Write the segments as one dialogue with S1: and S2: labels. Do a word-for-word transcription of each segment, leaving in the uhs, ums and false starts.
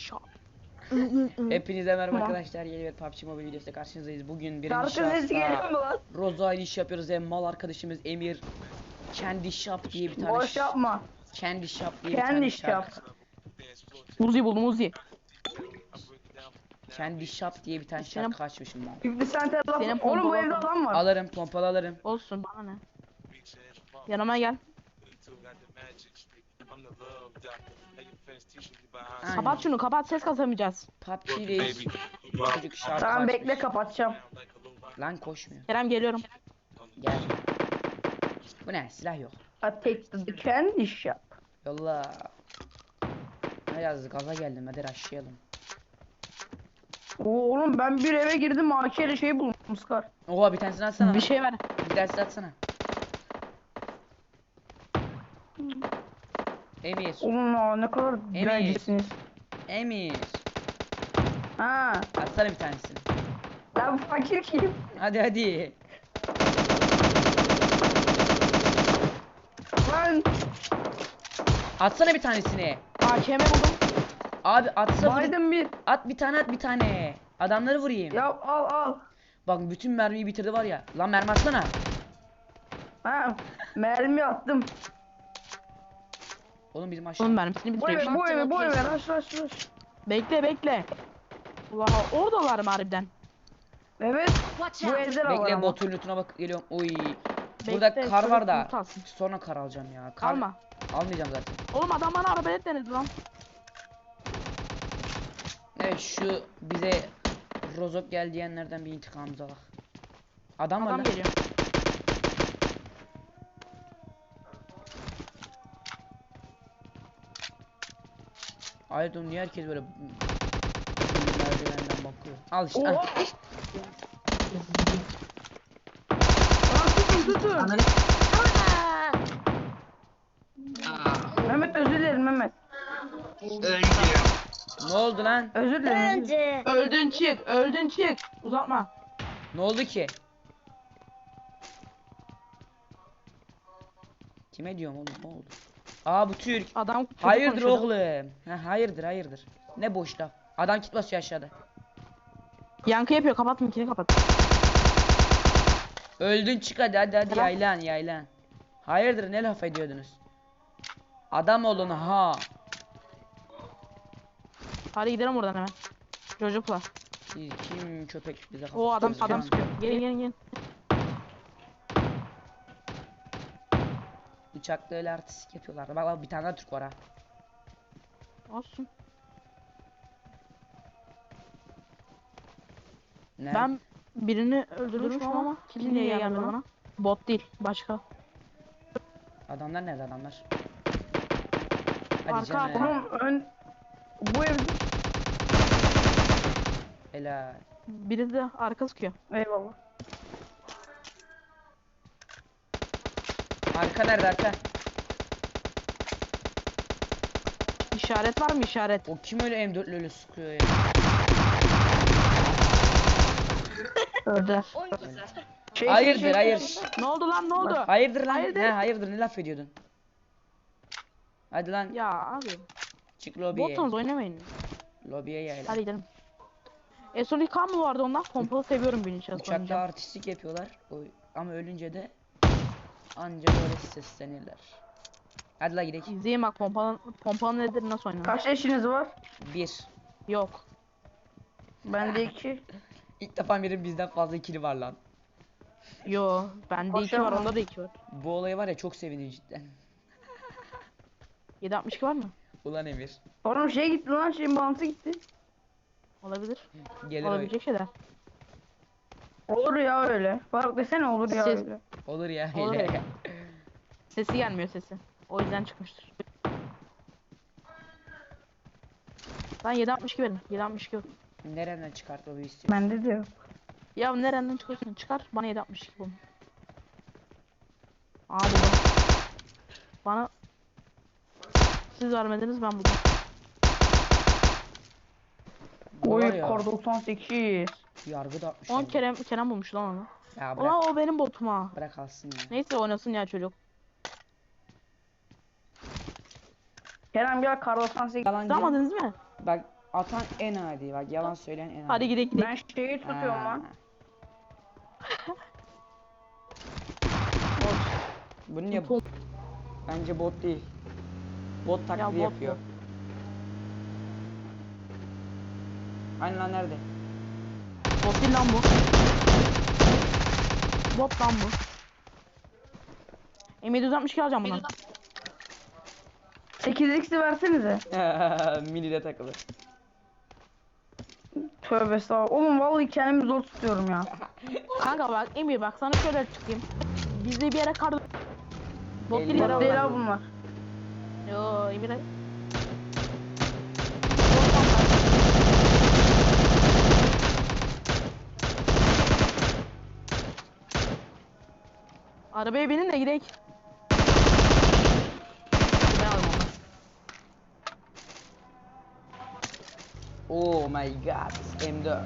S1: Shop.
S2: Hepinize merhaba
S1: Tamam.
S2: arkadaşlar. Yeni bir P U B G Mobile videosuyla karşınızdayız. Bugün birinci
S1: Şarkı sesi geliyor mu
S2: şahısta
S1: lan?
S2: Roza ile iş yapıyoruz ve mal arkadaşımız Emir Kendi Shop diye bir tane
S1: Boş yapma.
S2: Kendi Shop diye bir
S1: Kendi
S2: tane
S1: iş yap.
S2: şarkı.
S1: Uzi buldum Uzi.
S2: Kendi Shop diye bir tane
S1: Senin-
S2: şarkı açmışım ben.
S1: Fifty Cent'e laf.
S3: Senin
S1: Oğlum bu
S3: pompalı
S1: evde
S3: adam.
S1: adam var.
S2: Alırım, pompalı alırım.
S3: Olsun bana ne? Yanıma gel.
S2: Aynen.
S3: Kapat şunu, kapat, ses kasamayacağız.
S2: P U B G'deyiz. Çocuk şarkı
S1: Tamam
S2: açmış.
S1: bekle kapatacağım.
S2: Lan koşmuyor.
S3: Kerem geliyorum.
S2: Gel. Bu ne? Silah yok.
S1: I take the candy shop.
S2: Yolla. Biraz gaza geldim. Hadi rushlayalım.
S1: Oo, oğlum ben bir eve girdim A K ile şey buldum Scar.
S2: Oha bir tanesini atsana.
S3: Bir şey ver.
S2: Bir tanesini atsana. Emir.
S1: Oğlum aa, ne kadar direncisiniz.
S2: Emir.
S1: Ha.
S2: Atsana bir tanesini.
S1: Lan fakir kim?
S2: Hadi hadi.
S1: Lan
S2: Atsana bir tanesini.
S3: A K M buldum.
S2: Abi atsa vur.
S1: Biden bir.
S2: At bir tane at bir tane. Adamları vurayım.
S1: Ya al al.
S2: Bak bütün mermiyi bitirdi var ya. Lan mermi atsana.
S1: Ha. Mermi attım.
S2: Oğlum bizim aşağı.
S3: Onun mermisini
S1: Bu eve
S3: bitiriyor.
S1: bu eve bu eve rush rush rush.
S3: Bekle bekle. Allah oradalar mı harbiden?
S1: Evet. Bu evde de var
S2: Bekle
S1: ama.
S2: botun lootuna bak geliyorum. Oy. Burada
S3: Bekle,
S2: kar var
S3: çocuk
S2: da.
S3: loot alsın.
S2: Sonra kar alacağım ya. Kar
S3: Alma.
S2: almayacağım zaten.
S3: Oğlum adam bana arabayla denedi lan.
S2: Evet şu bize Rozok gel diyenlerden bir intikamımızı alak. Adam var
S3: Adam
S2: lan.
S3: geliyor.
S2: Hayır oğlum niye herkes böyle merdivenden bakıyor. Al işte.
S1: Oo.
S2: al.
S1: Lan tutun tutun. Mehmet özür dilerim Mehmet.
S2: Ne oldu lan?
S1: Özür dilerim.
S3: Öldün çık, öldün çık. Uzatma.
S2: Ne oldu ki? Kime diyorum oğlum ne oldu? Aa bu Türk.
S3: Adam çocuk
S2: Hayırdır
S3: konuşuyordu.
S2: oğlum? Ha, hayırdır hayırdır. Ne boş laf. Adam kit basıyor aşağıda.
S3: Yankı yapıyor, kapat mikini kapat.
S2: Öldün çık hadi hadi hadi
S3: Tamam.
S2: yaylan yaylan. Hayırdır ne laf ediyordunuz? Adam olun ha.
S3: Hadi gidelim buradan hemen. Çocukla.
S2: Siz kim köpek bize kafa
S3: O adam
S2: tutuyorsunuz
S3: adam
S2: ya?
S3: sıkıyor. Gelin gelin gelin.
S2: Bıçakla öyle artistik yapıyorlar. Bak bak bir tane daha Türk var ha.
S3: Olsun.
S2: Nerede?
S3: Ben birini öldürmüşüm ama kim niye gelmedi bana? Bot değil, başka.
S2: Adamlar nerede adamlar? Hadi
S3: Arka,
S2: canım.
S3: arka.
S1: Oğlum ön. Bu evde.
S2: Helal.
S3: Biri de arka sıkıyor.
S1: Eyvallah.
S2: Arka nerede arka?
S3: İşaret var mı işaret?
S2: O kim öyle M dörtle öyle sıkıyor ya?
S3: Öldüler.
S1: Şey,
S2: Hayırdır
S1: şey, şey,
S2: hayır.
S1: şey.
S3: Ne oldu lan ne oldu?
S2: Hayırdır lan?
S3: Hayırdır?
S2: He hayırdır ne laf ediyordun? Hadi lan
S3: Ya abi.
S2: çık lobiye.
S3: Botunuz oynamayın.
S2: Lobiye yayla.
S3: Hadi gidelim. E son ilk mı vardı ondan? Pompalı seviyorum birinci şahıs
S2: Uçakta
S3: oynayacağım.
S2: artistik yapıyorlar. O, ama ölünce de anca böyle seslenirler. Hadi la gidelim.
S3: İzleyin bak pompalı, pompalı nedir nasıl oynanır?
S1: Kaç eşiniz var?
S2: Bir.
S3: Yok.
S1: Bende iki.
S2: İlk defa birinin bizden fazla ikili var lan.
S3: Yo. Bende iki
S1: Koşuyor
S3: var
S1: mu?
S3: onda da iki var.
S2: Bu olayı var ya çok seviniyor cidden.
S3: yedi altmış iki var mı?
S2: Ulan Emir.
S1: Oğlum şey gitti lan şeyin bağlantısı gitti.
S3: Olabilir.
S2: Gelir o.
S3: Olabilecek şeyler.
S1: Olur ya öyle. Faruk desene olur ya
S3: Siz-
S1: öyle.
S2: Olur ya
S3: Olur
S2: hele.
S3: öyle. Sesi gelmiyor sesi. O yüzden çıkmıştır. Lan yedi altmış iki verin. yedi altmış iki yok.
S2: Nereden çıkart o istiyor?
S1: Bende de yok.
S3: Ya nereden çıkıyorsun? Çıkar. Bana yedi altmış iki bulun. Abi bana. Bana siz vermediniz ben buldum.
S2: Bu var
S1: Oy
S2: ya,
S1: kor doksan sekiz.
S2: yargı da atmış.
S3: on
S2: yani.
S3: Kerem Kerem bulmuş lan onu.
S2: Ya bırak,
S3: Ulan o benim botum ha.
S2: bırak alsın ya.
S3: Neyse oynasın ya çocuk.
S1: Kerem gel kar doksan sekiz.
S2: Yalancı.
S3: Tutamadınız mı?
S2: Bak Atan en adi, bak yalan söyleyen en adi.
S3: Hadi gidelim gidelim.
S1: Ben şeyi tutuyorum
S2: Ha.
S1: lan.
S2: Bu ne?
S3: Tom-
S2: Bence bot değil. Bot taklidi
S3: bot,
S2: yapıyor.
S3: bot.
S2: Aynen lan, nerede?
S3: Bot değil lan bu. Bot lan bu. M yedi altmış iki alacağım bundan.
S1: sekiz x'i versenize.
S2: Mini de takılı.
S1: Tövbe estağfurullah. Oğlum vallahi kendimi zor tutuyorum ya.
S3: Kanka bak Emir bak sana şöyle çıkayım. Bizde bir yere kar... Bot
S2: Elli
S3: değil
S2: lira
S3: herhalde.
S1: Değil abi bunlar.
S3: Yo Emir. Arabaya binin de gidelim. Ben aldım onu.
S2: Oh my god. M dört.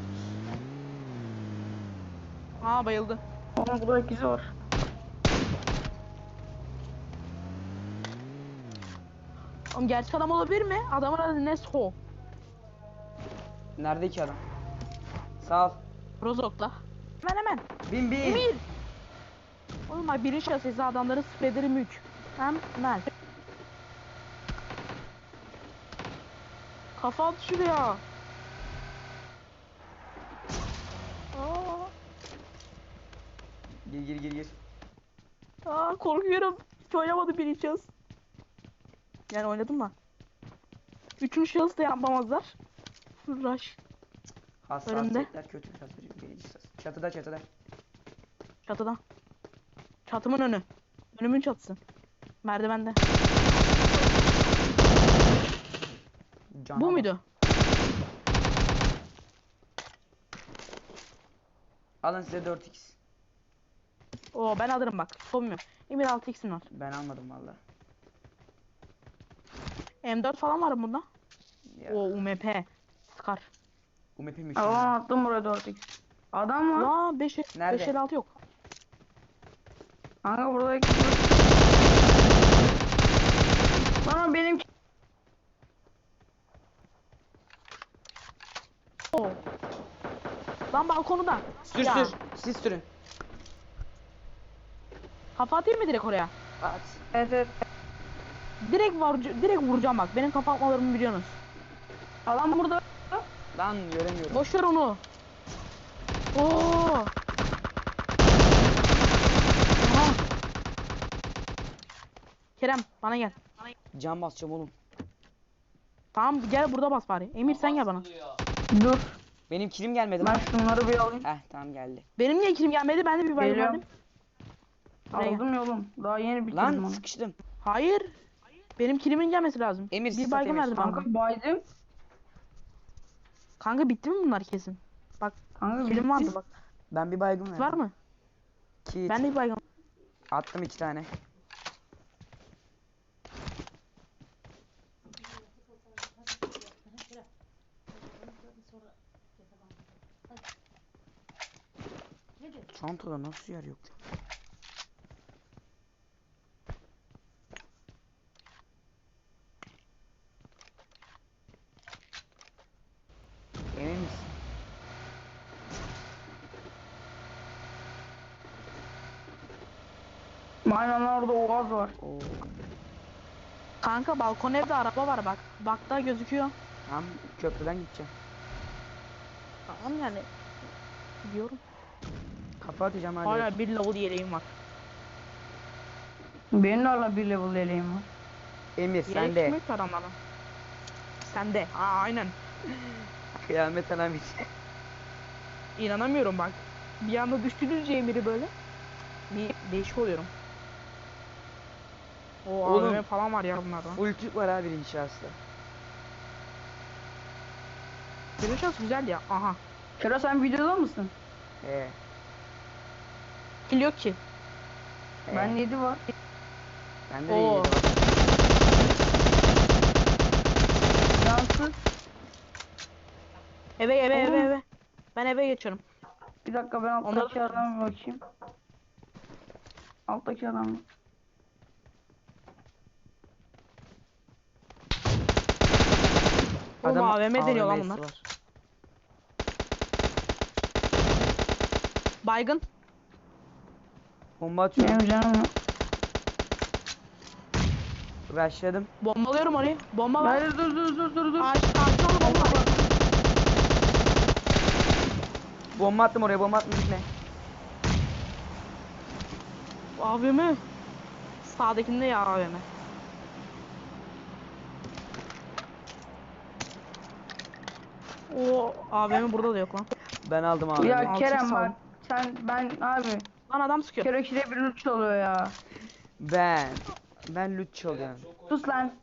S3: Aa bayıldı.
S1: Oğlum burada ikizi var.
S3: Oğlum gerçek adam olabilir mi? Adamın adı Nesko.
S2: Nerede ki adam? Sağ ol.
S3: Rozok'la. Hemen hemen.
S2: Bin bin.
S3: Emir. Oğlum bak birin şahsesi adamların spreaderi mük. Hem Mel. Kafa at şuraya. Aa,
S2: Gir gir gir gir.
S3: aa korkuyorum. Hiç oynamadım birin şahıs. Yani oynadım da. Üçüncü şahıs da yapamazlar. Full rush.
S2: Hassasiyetler kötü katırıyor. Birinci sırası. Çatıda çatıda.
S3: Çatıda. Çatımın önü. Önümün çatısı. Merdivende.
S2: Cana
S3: Bu
S2: bak.
S3: muydu?
S2: Alın size dört x.
S3: Oo ben alırım bak. Sormuyor. Emir altı x'im var.
S2: Ben almadım valla.
S3: M dört falan var mı bunda?
S2: Ya.
S3: Oo U M P. Scar.
S2: U M P mi?
S1: Allah'ım attım buraya dört x. Adam var.
S3: Aa beş
S2: Nerede?
S3: elli altı yok.
S1: Kanka burada ikizi var. Lan benim
S3: Oo. Lan balkonu da.
S2: Sür
S3: Ya.
S2: sür. Siz sürün.
S3: Kafa atayım mı direkt oraya?
S2: At.
S1: Evet evet.
S3: Direkt var direkt vuracağım bak. Benim kafa atmalarımı biliyorsunuz.
S1: Adam burada.
S2: Lan göremiyorum.
S3: Boş ver onu. Oo. Aha. Kerem bana gel.
S2: Can basacağım oğlum.
S3: Tamam gel burada bas bari. Emir sen gel bana.
S1: Dur.
S2: Benim kilim gelmedi
S1: Ben
S2: lan.
S1: şunları bir alayım.
S2: Heh tamam geldi.
S3: Benim niye kilim gelmedi? Ben de bir bayram
S1: Geliyorum.
S3: verdim. Buraya gel.
S1: Aldım yolum. Daha yeni bitirdim
S2: Lan
S1: onu.
S2: sıkıştım.
S3: Hayır. Benim kilimin gelmesi lazım.
S2: Emir,
S3: bir
S2: sis
S3: baygın
S2: at Emir.
S3: verdim kanka.
S1: Kanka baydım.
S3: Kanka bitti mi bunlar kesin? Bak
S1: Kanka
S3: kilim
S1: bitti.
S3: vardı bak.
S2: Ben bir baygın verdim.
S3: Var mı?
S2: Kit.
S3: Ben de bir baygın.
S2: Attım iki tane. Çantada nasıl yer yok? Emin misin?
S1: Aynen orada Oğaz var.
S2: Oo.
S3: Kanka balkon evde araba var bak. Bakta gözüküyor.
S2: Tamam köprüden gideceğim.
S3: Tamam yani. Biliyorum.
S2: Kafa atacağım hadi.
S3: Hala bir level yeleğim var.
S1: Benim de hala bir level yeleğim var.
S2: Emir
S3: Yelek
S2: sen de.
S3: kim yok ki adamlardan? Sen de. Aa aynen.
S2: Kıyamet alamet.
S3: İnanamıyorum bak. Bir anda düştürünce Emir'i böyle. Bir değişik oluyorum. O
S2: Oğlum.
S3: A V M falan var ya bunlardan.
S2: Full Türk var abi birinci şahısla.
S3: Birinci şans güzel ya. Aha.
S1: Kero sen videoda mısın?
S2: He.
S3: Kill yok ki.
S2: he.
S1: Ben yedi var.
S2: Bende de
S3: Oo.
S2: yedi var.
S1: Yansız.
S3: Eve eve eve
S1: Oğlum.
S3: eve. Ben eve geçiyorum.
S1: Bir dakika ben alttaki
S3: Onları-
S1: adama bir bakayım. Alttaki adam.
S3: Oğlum A V M deniyor lan
S2: A V M'si
S3: bunlar.
S2: var.
S3: Baygın.
S2: Bomba atıyorum.
S1: Benim canım yok.
S2: Rushladım.
S3: Bombalıyorum orayı. Bomba var.
S1: Hayır dur dur dur dur dur.
S3: Ağaç, ağaçın orada bomba var.
S2: Bomba attım oraya, bomba attım, gitme.
S3: A V M. Sağdakinde ya A V M. O A V M burada da yok lan.
S2: Ben aldım abi.
S1: Ya
S3: Altı
S1: Kerem
S3: sağ ol.
S1: bak sen ben abi
S3: Lan adam sıkıyor.
S1: Kereki'de bir uç oluyor ya.
S2: Ben. Ben loot çalıyorum.
S1: Sus lan.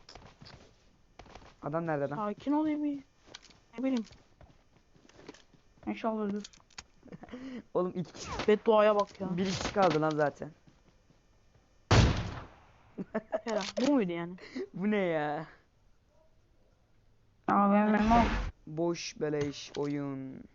S2: Adam nerede adam?
S3: Sakin ol bir. Ne bileyim.
S1: İnşallah dur.
S2: Oğlum iki kişi.
S3: Bedduaya bak ya.
S2: Bir kişi kaldı lan zaten.
S3: Kerem bu muydu yani?
S2: Bu ne ya?
S1: Abi benim o.
S2: Boş beleş oyun.